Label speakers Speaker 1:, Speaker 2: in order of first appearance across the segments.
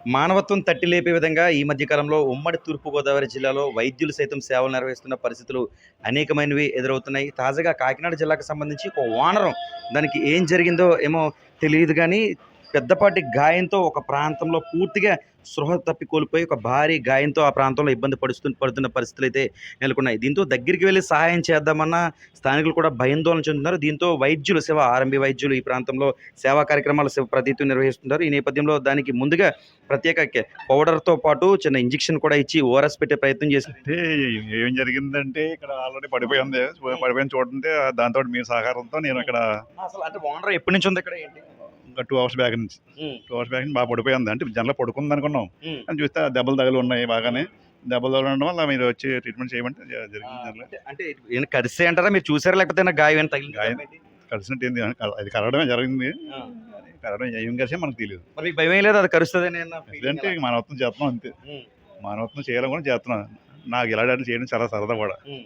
Speaker 1: మానవత్వం తట్టి లేపే విధంగా ఈ మధ్య కాలంలో ఉమ్మడి తూర్పుగోదావరి జిల్లాలో వైద్యులు సైతం సేవలు నిర్వహిస్తున్న పరిస్థితులు అనేకమైనవి ఎదురవుతున్నాయి. తాజాగా కాకినాడ జిల్లాకు సంబంధించి ఒక వానరం దానికి ఏం జరిగిందో ఏమో తెలియదు గానీ, పెద్దపాటి గాయంతో ఒక ప్రాంతంలో పూర్తిగా స్పృహ తప్పి కోల్పోయి ఒక భారీ గాయంతో ఆ ప్రాంతంలో ఇబ్బంది పడుతున్న పరిస్థితులైతే నెలకొన్నాయి. దీంతో దగ్గరికి వెళ్లి సహాయం చేద్దామన్నా స్థానికులు కూడా భయాందోళన చెందుతున్నారు. దీంతో వైద్యులు ఆర్ఎంబీ వైద్యులు ఈ ప్రాంతంలో సేవా కార్యక్రమాలు ప్రతినిత్యం నిర్వహిస్తున్నారు. ఈ నేపథ్యంలో దానికి ముందుగా ప్రత్యేక పౌడర్‌తో పాటు చిన్న ఇంజెక్షన్ కూడా ఇచ్చి ఓఆర్ఎస్ పెట్టే ప్రయత్నం చేశారు.
Speaker 2: అంటే ఏం జరిగిందంటే ఇక్కడ ఆల్రెడీ పడిపోయింది. పడిపోయింది చూడండి. దాంతోటి మీ సహకారంతో నేను ఇక్కడ
Speaker 1: అసలు అంటే ఓనర్ ఎప్పటి నుంచి ఉంది ఇక్కడ ఏంటి?
Speaker 2: ఇంకా 2 అవర్స్ బ్యాక్ నుంచి 2 అవర్స్ బ్యాక్ నుంచి బాగా పడిపోయింది. అంటే జనరల్‌గా పడుకుంది అనుకున్నాం. కానీ చూస్తే ఆ దెబ్బలు తగిలి ఉన్నాయి బాగానే. దెబ్బలు తగలడం వల్ల మీరు వచ్చి ట్రీట్మెంట్ చేయమంటే జరిగింది. జనరల్‌గా
Speaker 1: అంటే ఈయన కరిసే అంటారా? మీరు చూసారా? లేకపోతే ఏమైనా గాయం ఏమైనా తగిలిందా?
Speaker 2: గాయం కలిసినట్టు ఏంది అది కరగడమే జరిగింది.
Speaker 1: ఆ.
Speaker 2: కరగడం ఏం కలిసే మనకు తెలియదు.
Speaker 1: మరి మీకు భయం ఏం లేదు అది కరుస్తదని అన్న feeling
Speaker 2: అంటే
Speaker 1: ఎలా?
Speaker 2: మానవత్వం చేస్తున్నాం అంతే.
Speaker 1: ఉమ్,
Speaker 2: మానవత్వం చేయాలని కూడా చేస్తున్నాం. నాకు ఇలాంటి చేయడం చాలా సరదా కూడా.
Speaker 1: ఉమ్.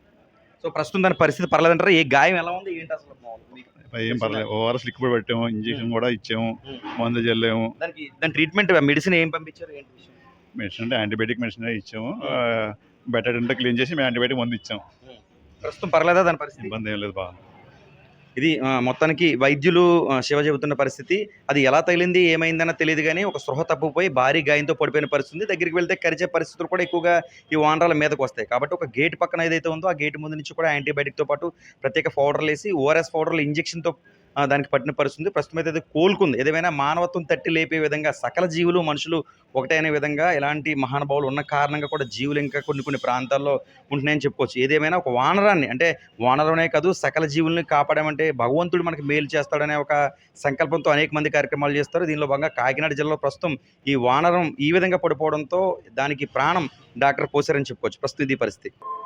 Speaker 1: సో ప్రస్తుతం దాని పరిస్థితి పర్లేదంటారా? ఏ గాయం ఎలా ఉంది ఏంటి అసలు మీకు?
Speaker 2: ఏం పర్లేదు. ఓఆర్ఎస్ లిక్విడ్ పెట్టాము, ఇంజెక్షన్ కూడా ఇచ్చాము,
Speaker 1: ఉమ్.
Speaker 2: మందు చల్లాము.
Speaker 1: దాని ట్రీట్మెంట్ మెడిసిన్ ఏం పంపించారు ఏంటి విషయం?
Speaker 2: మెడిసిన్ అంటే యాంటీబయాటిక్ మెడిసిన్ ఇచ్చాము. బెటర్ అంటే క్లీన్ చేసి మేము యాంటీబయాటిక్ మందు ఇచ్చాము.
Speaker 1: ప్రస్తుతం పర్లేదా దాని పరిస్థితి?
Speaker 2: ఇబ్బంది ఏం లేదు, బాగా.
Speaker 1: ఇది మొత్తానికి వైద్యులు శివ చెబుతున్న పరిస్థితి. అది ఎలా తగిలింది ఏమైందన్న తెలియదు కానీ ఒక స్పృహ తప్పిపోయి భారీ గాయంతో పడిపోయిన పరిస్థితి ఉంది. దగ్గరికి వెళ్తే కరిచే పరిస్థితులు కూడా ఎక్కువగా ఈ వానరాల మీదకి వస్తాయి. కాబట్టి ఒక గేట్ పక్కన ఏదైతే ఉందో ఆ గేట్ ముందు నుంచి కూడా యాంటీబయాటిక్తో పాటు ప్రత్యేక పౌడర్లు వేసి ఓఆర్ఎస్ పౌడర్లు ఇంజెక్షన్తో దానికి పట్టిన పరిస్థితి. ప్రస్తుతం అయితే అది కోలుకుంది. ఏదేమైనా మానవత్వం తట్టి లేపే విధంగా సకల జీవులు మనుషులు ఒకటే అనే విధంగా ఇలాంటి మహానుభావులు ఉన్న కారణంగా కూడా జీవులు ఇంకా కొన్ని ప్రాంతాల్లో ఉంటున్నాయని చెప్పుకోవచ్చు. ఏదేమైనా ఒక వానరాన్ని అంటే వానరనే కాదు సకల జీవుల్ని కాపాడామంటే భగవంతుడు మనకి మేలు చేస్తాడనే ఒక సంకల్పంతో అనేక మంది కార్యక్రమాలు చేస్తారు. దీనిలో భాగంగా కాకినాడ జిల్లాలో ప్రస్తుతం ఈ వానరం ఈ విధంగా పడిపోవడంతో దానికి ప్రాణం డాక్టర్ పోసారని చెప్పుకోవచ్చు. ప్రస్తుతం ఇది పరిస్థితి.